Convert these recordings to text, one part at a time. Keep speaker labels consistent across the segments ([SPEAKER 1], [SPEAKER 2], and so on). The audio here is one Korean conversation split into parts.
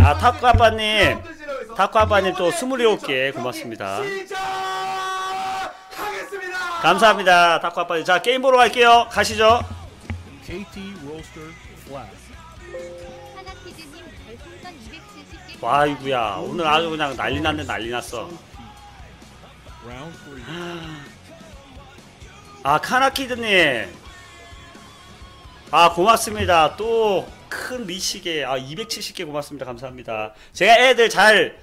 [SPEAKER 1] 아 타쿠아빠님, 타쿠아빠님 또 27개 고맙습니다. 감사합니다 타쿠아빠님. 자 게임 보러 갈게요. 가시죠. 와 이구야 오늘 아주 그냥 난리 났네. 난리 났어. 아 카나키드님 아 고맙습니다. 또 큰 리시게 270개 고맙습니다. 감사합니다. 제가 애들 잘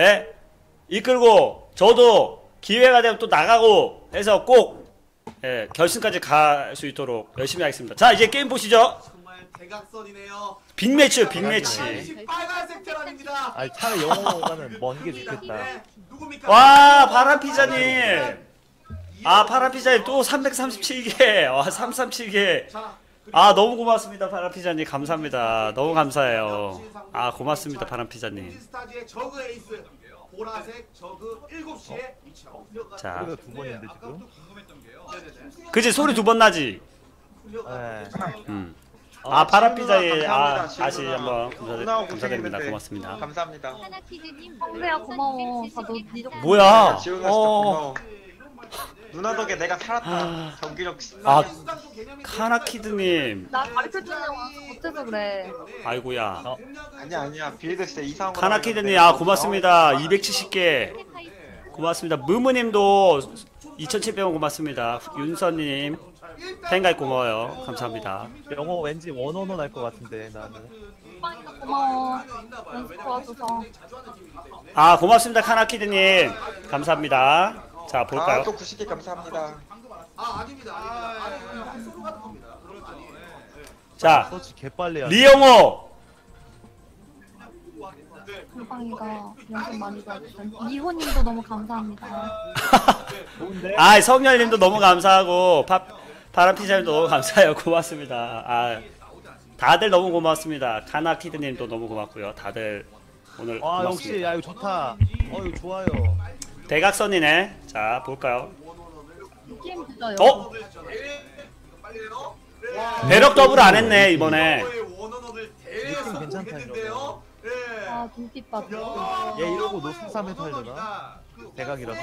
[SPEAKER 1] 이끌고 저도 기회가 되면 또 나가고 해서 꼭 결승까지 갈 수 있도록 열심히 하겠습니다. 자 이제 게임 보시죠.
[SPEAKER 2] 정말 대각선이네요.
[SPEAKER 1] 빅매치 빅매치.
[SPEAKER 2] 빨간색 테란입니다.
[SPEAKER 3] 아니 차라리 영어보다는 먼 게 좋겠다.
[SPEAKER 2] 누굽니까?
[SPEAKER 1] 와 파란피자님 아 파란피자님 또 337개 와 337개 아 너무 고맙습니다 파란피자님. 감사합니다. 너무 감사해요. 아 고맙습니다 파란피자님.
[SPEAKER 2] 스타즈의 저그 에이스 보라색 저그 7시에 위치하고
[SPEAKER 1] 자
[SPEAKER 3] 소리가 두 번인데 지금.
[SPEAKER 1] 그치 소리 2번 나지.
[SPEAKER 3] 네.
[SPEAKER 1] 아 파란피자에
[SPEAKER 4] 감사합니다.
[SPEAKER 1] 다시 한번
[SPEAKER 4] 누나하고
[SPEAKER 1] 감사드립니다.
[SPEAKER 4] 고생했는데.
[SPEAKER 1] 고맙습니다.
[SPEAKER 4] 감사합니다.
[SPEAKER 5] 성배야 고마워. 다너 니도
[SPEAKER 1] 뭐야
[SPEAKER 4] 지훈아 진짜 고마워. 누나 덕에 내가 살았다. 경기력
[SPEAKER 1] 아 카나키드님
[SPEAKER 5] 나 가르쳐주냐고 못해서 그래.
[SPEAKER 1] 아이고야
[SPEAKER 4] 아니야 빌드 진짜 이상한 거
[SPEAKER 1] 카나키드님 아 고맙습니다. 270개 고맙습니다. 무무님도 2700원 고맙습니다. 윤서님 팬가입 고마워요. 감사합니다.
[SPEAKER 3] 영어 왠지 원어원 할 것 같은데 나는.
[SPEAKER 5] 오빠니까 고마워. 연습 도와줘서.
[SPEAKER 1] 아 고맙습니다 카나키드님 감사합니다. 자 볼까요?
[SPEAKER 4] 또 90개 감사합니다.
[SPEAKER 2] 아닙니다. 소로 가는 겁니다.
[SPEAKER 1] 자
[SPEAKER 3] 서치 개빨리 하네.
[SPEAKER 1] 리영호
[SPEAKER 5] 금방이가 연습 많이 도와주셨어. 이호님도 너무 감사합니다.
[SPEAKER 3] 좋은데?
[SPEAKER 1] 아 성열님도 너무 감사하고 파란피자님도 너무 감사해요. 고맙습니다. 아 다들 너무 고맙습니다. 카나키드님도 너무 고맙고요. 다들 오늘
[SPEAKER 3] 아
[SPEAKER 1] 고맙습니다.
[SPEAKER 3] 역시 야 이거 좋다. 이거 좋아요.
[SPEAKER 1] 대각선이네. 자 볼까요?
[SPEAKER 5] 게임 늦어요.
[SPEAKER 1] 어? 배럭 더블 안 했네 이번에.
[SPEAKER 3] 느낌 괜찮다 이거.
[SPEAKER 5] 아 눈빛 봐.
[SPEAKER 3] 얘 이러고 노승삼에서 하려나? 대각이라서.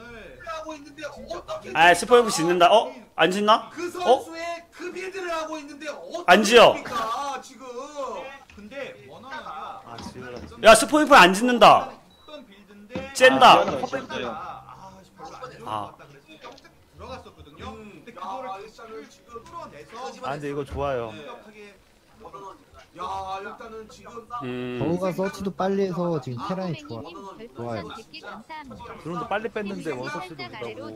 [SPEAKER 1] 아 스포이프 짓는다. 안 짓나?
[SPEAKER 2] 그 선수의 그 빌드를 하고 있는데
[SPEAKER 1] 안 지어.
[SPEAKER 2] 지금. 근데
[SPEAKER 3] 아 지우라.
[SPEAKER 1] 야 스포이프 안 짓는다. 쨘다. 아
[SPEAKER 2] 들어갔었거든요. 근데 그거를 지금 풀어내서
[SPEAKER 3] 아 근데 이거 좋아요.
[SPEAKER 2] 야 일단은 지금
[SPEAKER 6] 저우가 서치도 빨리 해서 지금 테란이 좋아요.
[SPEAKER 3] 드론도 빨리 뺐는데 원서치도 못하고.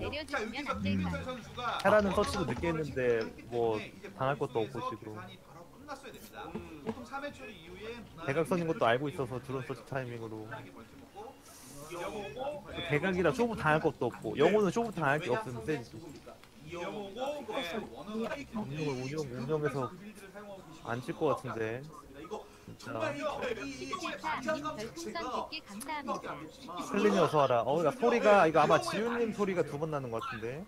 [SPEAKER 3] 테라는 서치도 늦게 했는데 뭐 당할 것도 없고 지금.
[SPEAKER 2] 끝났어야 됩니다. 보통 3회 처리 이후에
[SPEAKER 3] 대각선인 것도 알고 있어서 드론 서치 타이밍으로. 대각이라 쇼부 당할 것도 없고 영호는 쇼부 당할 게 없으면 세지. 운영에서 안 칠 것 같은데 진짜. 슬림이 어서 와라. 야 소리가 이거 아마 지훈님 소리가 2번 나는 것 같은데.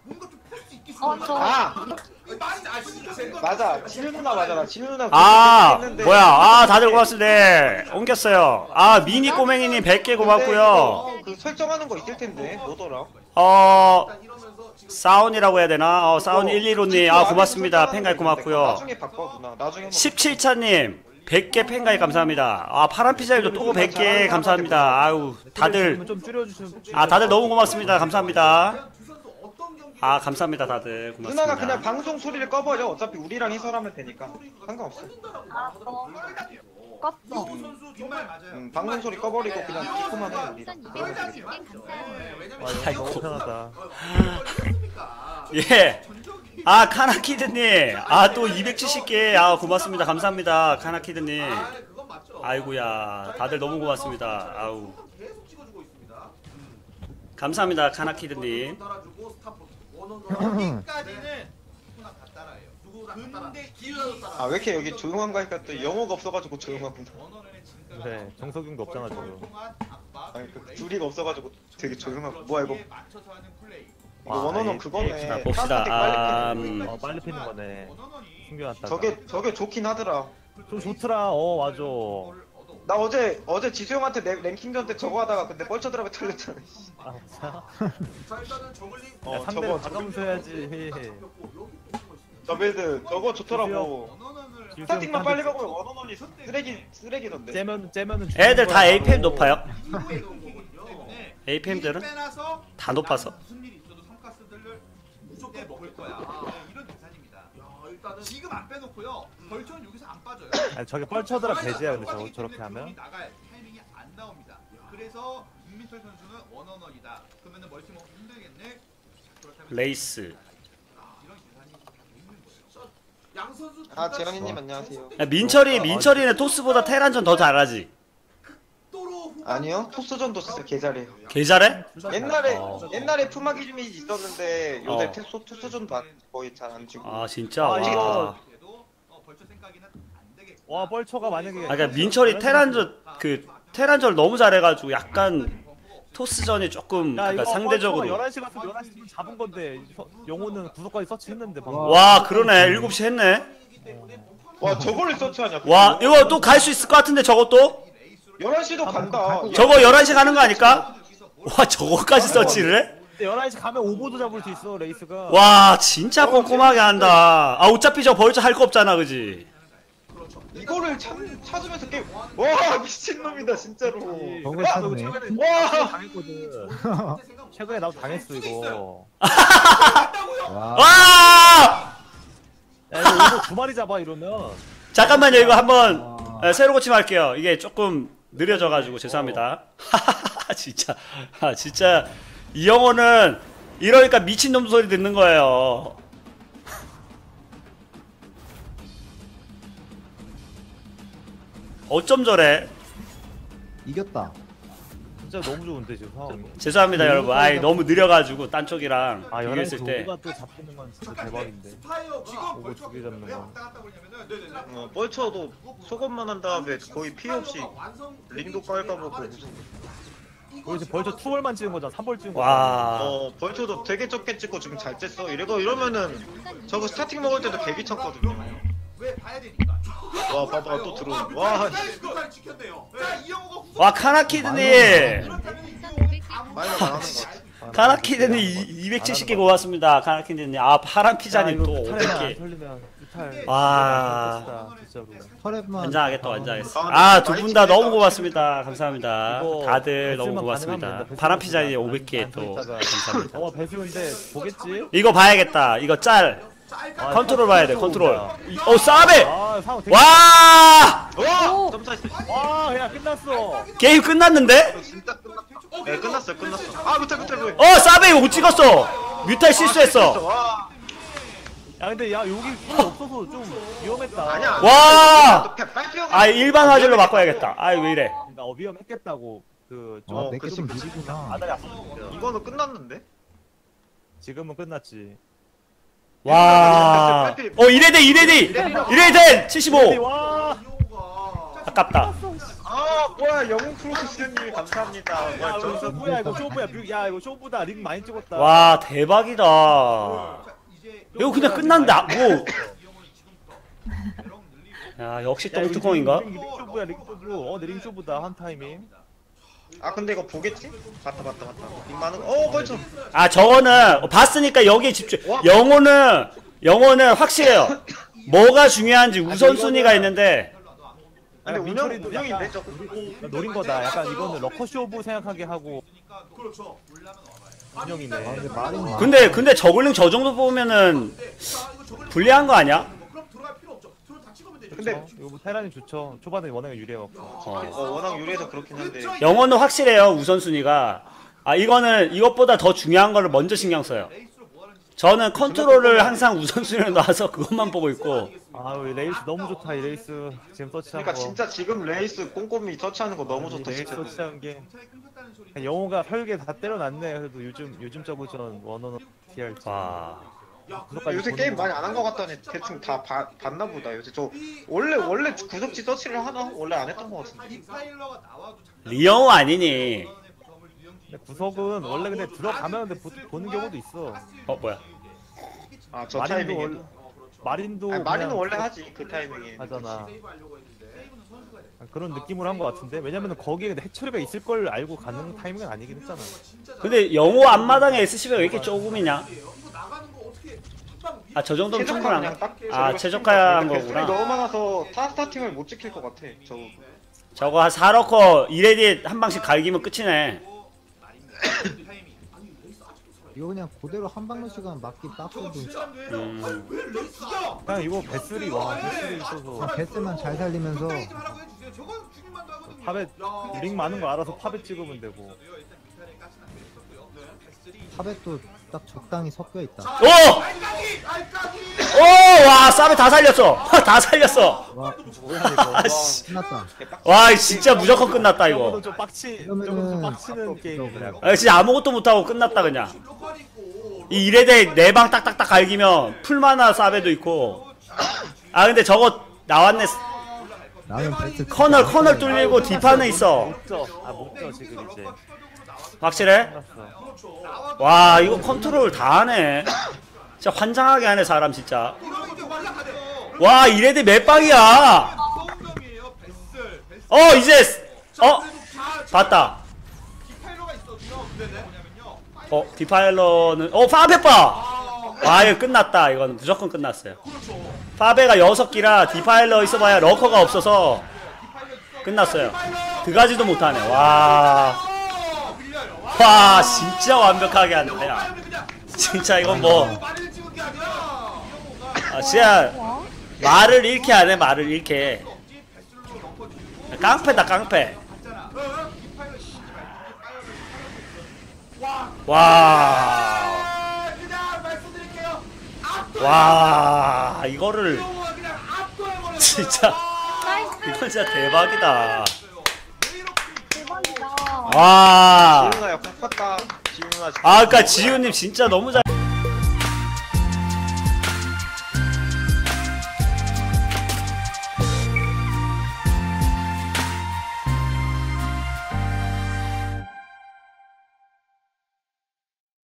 [SPEAKER 4] 맞아 지훈 누나 맞아. 지훈 누나
[SPEAKER 1] 뭐야 다들 고맙습니다. 옮겼어요. 미니 꼬맹이님 100개 고맙고요.
[SPEAKER 4] 그 설정하는 거 있을 텐데 뭐더라?
[SPEAKER 1] 사운이라고 해야 되나? 사운 115님 고맙습니다. 팬가입 고맙고요.
[SPEAKER 4] 나중에 바꿔 누나. 나중에
[SPEAKER 1] 17차님 100개 팬가입 감사합니다. 파란피자님도 또 100개 감사합니다. 아유 다들
[SPEAKER 3] 좀 줄여주시면.
[SPEAKER 1] 다들 너무 고맙습니다. 감사합니다. 감사합니다. 다들 고맙습니다.
[SPEAKER 4] 누나가 그냥 방송 소리를 꺼버려. 어차피 우리랑 해설하면 되니까 상관없어.
[SPEAKER 5] 껐어.
[SPEAKER 4] 방송 소리 꺼버리고 그냥 듣고만 해 우리랑.
[SPEAKER 3] 아 이거 너무 편하다.
[SPEAKER 1] 예. 카나키드님 또 270개 고맙습니다. 감사합니다. 카나키드님 아이고야 다들 너무 고맙습니다. 아우 감사합니다. 카나키드님
[SPEAKER 4] 왜 이렇게 여기 조용한가 하니까 또 영어가 없어가지고 조용하구나.
[SPEAKER 3] 그래 정석용도 없잖아 지금.
[SPEAKER 4] 아니 그 줄이가 없어가지고 되게 조용하고. 뭐야 이거 원어는
[SPEAKER 1] 자,
[SPEAKER 4] 그거네.
[SPEAKER 1] 봅시다.
[SPEAKER 3] 빨리 피는 거네. 숨겨놨다가.
[SPEAKER 4] 저게 좋긴 하더라.
[SPEAKER 3] 좀 좋더라. 맞아.
[SPEAKER 4] 나 어제 지수형한테 랭킹전 때 저거 하다가 근데 뻘쳐들어가 틀렸잖아.
[SPEAKER 3] 아 진짜?
[SPEAKER 2] 자 일단은 저글링
[SPEAKER 3] 야, 상대를
[SPEAKER 4] 저거
[SPEAKER 3] 가까면서 해야지.
[SPEAKER 4] 저 빌드 저거 좋더라고.
[SPEAKER 2] 원원원을
[SPEAKER 4] 스타팅만 빨리 가고 원원원이 쓰레기던데.
[SPEAKER 3] 째면은
[SPEAKER 1] 애들 다 APM 높아요.
[SPEAKER 2] 이후에 놓은 거거든요. 때문에
[SPEAKER 1] APM들은
[SPEAKER 2] 빼놔서
[SPEAKER 1] 다 높아서.
[SPEAKER 2] 무슨 일이 있어도 성가스들을 무조건 먹을 거야. 이런 계산입니다. 일단은 지금 안 빼놓고요. 벌처는 여기서 안 빠져요.
[SPEAKER 3] 아니 저게 뻘쳐들어 배제야 근데 저렇게 하면.
[SPEAKER 2] 나갈 타이밍이 안 나옵니다. 그래서 김민철 선수는 원원원이다. 그러면은 멀티 먹기 힘들겠네. 그렇다면
[SPEAKER 1] 레이스.
[SPEAKER 2] 이런 계산이 있는 거예요. 양 선수
[SPEAKER 4] 아 재현이님 안녕하세요.
[SPEAKER 1] 야, 민철이는 토스보다 테란전 더 잘하지.
[SPEAKER 4] 아니요 토스전도 진짜 개잘해요.
[SPEAKER 1] 개 잘해?
[SPEAKER 4] 옛날에 푸마기 줌이 있었는데 요새
[SPEAKER 1] 어.
[SPEAKER 4] 토스전도 거의 잘 안 치고.
[SPEAKER 1] 아 진짜.
[SPEAKER 3] 아,
[SPEAKER 1] 와.
[SPEAKER 3] 이거-
[SPEAKER 2] 벌처 생각이는 안 되겠고.
[SPEAKER 3] 와 뻘쳐가 만약에.
[SPEAKER 1] 아, 그러니까 민철이 테란전 너무 잘해가지고 약간 토스전이 조금
[SPEAKER 3] 야,
[SPEAKER 1] 그러니까
[SPEAKER 3] 이거
[SPEAKER 1] 상대적으로.
[SPEAKER 3] 11시 같으면 11시면 잡은 건데 영호는 구석까지 서치했는데 방금.
[SPEAKER 1] 와 그러네 7시 했네.
[SPEAKER 4] 와 저거를 서치하냐?
[SPEAKER 1] 와 이거 또 갈 수 있을 것 같은데 저것도?
[SPEAKER 4] 11시도 간다.
[SPEAKER 1] 저거 11시 가는 거 아닐까? 와 저거까지 서치를 해?
[SPEAKER 3] 근데 11시 가면 오버도 잡을 수 있어 레이스가.
[SPEAKER 1] 와 진짜 꼼꼼하게 한다. 아 어차피 저 벌써 할 거 없잖아 그지?
[SPEAKER 4] 이거를 찾으면서 게임. 와 미친놈이다 진짜로.
[SPEAKER 6] 저걸
[SPEAKER 4] 야,
[SPEAKER 6] 찾네.
[SPEAKER 4] 와
[SPEAKER 3] 당했거든. 최근에 나도 당했어 이거.
[SPEAKER 6] 와.
[SPEAKER 1] 와!
[SPEAKER 3] 야 이거 두 마리 잡아 이러면.
[SPEAKER 1] 잠깐만요 이거 한번 새로 고침할게요. 이게 조금 느려져가지고 죄송합니다. 진짜 진짜 이 영어는 이러니까 미친놈 소리 듣는 거예요. 어쩜 저래?
[SPEAKER 6] 이겼다.
[SPEAKER 3] 진짜 너무 좋은데 지금 상황이.
[SPEAKER 1] 죄송합니다 여러분. 아이 너무 느려가지고 딴 쪽이랑
[SPEAKER 3] 아
[SPEAKER 1] 비교했을
[SPEAKER 3] 11시
[SPEAKER 1] 때.
[SPEAKER 3] 오버가 또 잡히는 건 진짜 대박인데. 오버 두 개 잡는 거.
[SPEAKER 4] 뻘쳐도 속옷만 한 다음에 거의 피해 없이 링도 깔까보고
[SPEAKER 3] 우리 지금 벌써 투월만 찍은 거잖아. 3벌 찍은 거.
[SPEAKER 1] 와.
[SPEAKER 4] 벌쳐도 되게 적게 찍고 지금 잘 쬐어. 이러면은 저거 스타팅 먹을 때도 개 귀찮거든요.
[SPEAKER 2] 왜 봐야 되니까.
[SPEAKER 4] 와 봐봐 또 들어오네. 와
[SPEAKER 2] 잘 지켰네요. 자 이영호가 후속.
[SPEAKER 1] 와 카나키드님.
[SPEAKER 2] 그렇다면 이영호는
[SPEAKER 4] 많이 나가는 거 같아.
[SPEAKER 1] 카나키드님 270개 고맙습니다. 카나키드님. 아 파란 피자님 또
[SPEAKER 3] 탈에만 안
[SPEAKER 1] 500개.
[SPEAKER 3] 털리면 이탈.
[SPEAKER 1] 와.
[SPEAKER 3] 진짜로.
[SPEAKER 6] 털에만.
[SPEAKER 1] 완장하겠다 완장하겠어. 아 두 분 다 너무 고맙습니다. 감사합니다.
[SPEAKER 3] 이거
[SPEAKER 1] 다들 너무
[SPEAKER 3] 배수만
[SPEAKER 1] 고맙습니다.
[SPEAKER 3] 가능하면 된다.
[SPEAKER 1] 파란 피자님
[SPEAKER 3] 배수만
[SPEAKER 1] 500개 또
[SPEAKER 3] 있다가.
[SPEAKER 1] 감사합니다.
[SPEAKER 3] 배수인데 보겠지?
[SPEAKER 1] 이거 봐야겠다. 이거 짤.
[SPEAKER 3] 아,
[SPEAKER 1] 컨트롤 봐야 돼.
[SPEAKER 3] 컨트롤
[SPEAKER 1] 컨트롤.
[SPEAKER 3] 온다.
[SPEAKER 1] 어 싸베.
[SPEAKER 3] 아 상황 되게.
[SPEAKER 1] 와
[SPEAKER 4] 와 점사했어.
[SPEAKER 3] 와 그냥 끝났어.
[SPEAKER 1] 게임 끝났는데?
[SPEAKER 4] 진짜 끝났다. 네 끝났어. 아 못해.
[SPEAKER 1] 어 싸베 이거 못 찍었어. 뮤탈 실수했어.
[SPEAKER 4] 와
[SPEAKER 3] 야 근데 야 여기 풀 없어서 좀 위험했다.
[SPEAKER 4] 아니야.
[SPEAKER 1] 와.
[SPEAKER 4] 빨리
[SPEAKER 1] 아 일반 화질로 바꿔야겠다. 아 왜 이래?
[SPEAKER 3] 나 위험했겠다고 그
[SPEAKER 6] 아,
[SPEAKER 4] 어,
[SPEAKER 6] 내게
[SPEAKER 4] 그치,
[SPEAKER 6] 좀
[SPEAKER 4] 그치.
[SPEAKER 6] 느리구나.
[SPEAKER 3] 아다리 아팠어.
[SPEAKER 4] 이거는 끝났는데?
[SPEAKER 3] 지금은 끝났지.
[SPEAKER 1] 와. 이레디 75.
[SPEAKER 3] 와.
[SPEAKER 1] 아깝다.
[SPEAKER 4] 아 뭐야 영웅 프로스 수련님이 감사합니다.
[SPEAKER 3] 야
[SPEAKER 4] 와
[SPEAKER 3] 이거
[SPEAKER 4] 점수
[SPEAKER 3] 쇼부야 이거 쇼부야. 야 이거 쇼부다. 링 많이 찍었다.
[SPEAKER 1] 와 대박이다. 이거 그냥 끝난다. 뭐. 야 역시
[SPEAKER 3] 야, 이거
[SPEAKER 1] 똥뚜껑인가?
[SPEAKER 3] 링 쇼부야 링 쇼부. 링 쇼부다 한 타이밍.
[SPEAKER 4] 아 근데 이거 보겠지? 봤다. 빅만은 벌써
[SPEAKER 1] 아 저거는 봤으니까 여기에 집중. 영어는 확실해요. 뭐가 중요한지 우선순위가 있는데.
[SPEAKER 4] 근데
[SPEAKER 3] 민철이도
[SPEAKER 4] 운영인데
[SPEAKER 3] 약간
[SPEAKER 4] 저거.
[SPEAKER 3] 노린 거다. 약간 이거는 러커 쇼부 생각하게 하고
[SPEAKER 2] 그렇죠.
[SPEAKER 3] 운영이네.
[SPEAKER 6] 아, 근데 말이 많아.
[SPEAKER 1] 근데 저글링 저 정도 보면은 불리한 거 아니야?
[SPEAKER 2] 그럼 들어갈 필요 없죠. 들어 다 찍으면 되죠.
[SPEAKER 4] 근데
[SPEAKER 3] 이거 뭐 테란이 좋죠. 초반에 워낙에 유리해갖고.
[SPEAKER 4] 워낙 유리해서 그렇긴 한데.
[SPEAKER 1] 영어는 확실해요 우선순위가. 아 이거는 이것보다 더 중요한 거를 먼저 신경 써요. 저는 컨트롤을 항상 우선순위로 놔서 그것만 보고 있고.
[SPEAKER 3] 아우 레이스 너무 좋다 이 레이스 지금 서치한
[SPEAKER 4] 그러니까
[SPEAKER 3] 거.
[SPEAKER 4] 진짜 지금 레이스 꼼꼼히 터치하는 거 너무 좋다
[SPEAKER 3] 레이스
[SPEAKER 4] 진짜.
[SPEAKER 3] 서치한 게 영호가 혈계 다 때려놨네. 그래도 요즘 저거전 원어는 TRT.
[SPEAKER 1] 와.
[SPEAKER 4] 요새 게임 많이 안 한 거 같다니 대충 다 봤나 보다. 요새 저 원래 구석지 서치를 하나? 원래 안 했던 거 같은데.
[SPEAKER 2] 디파일러가 나와도
[SPEAKER 1] 리영호 아니니?
[SPEAKER 3] 근데 구석은 원래 근데 들어가면 근데 보는 경우도 있어.
[SPEAKER 1] 뭐야?
[SPEAKER 4] 아 저
[SPEAKER 3] 마린도
[SPEAKER 4] 타이밍에.
[SPEAKER 3] 원래 마린도
[SPEAKER 4] 아니, 마리는
[SPEAKER 3] 그냥
[SPEAKER 4] 원래 하지 그 타이밍에.
[SPEAKER 3] 하잖아. 그런 느낌으로 한 것 같은데 왜냐면은 거기에 해처리가 있을 걸 알고 가는 타이밍은 아니긴 했잖아.
[SPEAKER 1] 근데 영호 앞마당에 SCB가 왜 이렇게 조금이냐? 아 저 정도면
[SPEAKER 4] 최적화
[SPEAKER 1] 충분한
[SPEAKER 4] 그냥 딱
[SPEAKER 1] 아 최적화한
[SPEAKER 4] 배틀이
[SPEAKER 1] 거구나.
[SPEAKER 4] 너무 많아서 타 스타팅을 못 지킬 것 같아.
[SPEAKER 1] 저거 한 4러커 이레디 한 방씩 갈기면 끝이네.
[SPEAKER 6] 이거 그냥 그대로 한방로 시간 맞기 빡세도
[SPEAKER 3] 그냥 이거 배슬이 와 배슬이 있어서
[SPEAKER 6] 그냥 베스만 잘 살리면서
[SPEAKER 3] 팝에 링 많은 거 알아서 팝에 찍으면 되고.
[SPEAKER 6] 탑에도 딱 적당히 섞여 있다.
[SPEAKER 1] 오! 오! 와 싸베 다 살렸어. 다 살렸어.
[SPEAKER 6] 와
[SPEAKER 3] 뭐야 이거.
[SPEAKER 1] 아씨.
[SPEAKER 6] 끝났다.
[SPEAKER 1] 와 진짜 무조건 끝났다
[SPEAKER 3] 이거는
[SPEAKER 1] 이거.
[SPEAKER 3] 좀 빡치.
[SPEAKER 6] 이러면은
[SPEAKER 3] 저거는 좀 빡치는 게임이 그냥.
[SPEAKER 1] 아 진짜 아무것도 못하고 끝났다 그냥. 이 이레데 4방 딱딱딱 갈기면 풀마나 싸베도 있고. 아 근데 저거 나왔네.
[SPEAKER 6] 나는 베스
[SPEAKER 1] 커널 뚫리고 뒷판에 있어.
[SPEAKER 3] 못져 지금 이제.
[SPEAKER 1] 확실해?
[SPEAKER 3] 끝났어.
[SPEAKER 1] 와 이거 컨트롤 다 하네. 진짜 환장하게 하네 사람 진짜. 와 이레드 몇 방이야. 이제 봤다. 디파일러는 파베빠. 와 이거 끝났다. 이거는 무조건 끝났어요. 파베가 6기라 디파일러 있어봐야 러커가 없어서 끝났어요. 그가지도 못하네. 와 진짜 완벽하게 한다. 야. 진짜 이건 뭐 진짜 말을 잃게 하네. 말을 잃게. 깡패다 깡패. 와 이거를 진짜 이건 진짜 대박이다.
[SPEAKER 5] 대박이다.
[SPEAKER 1] 와
[SPEAKER 4] 지훈아 역할 컸다. 지훈아
[SPEAKER 1] 그러니까 지우님 진짜 너무 잘.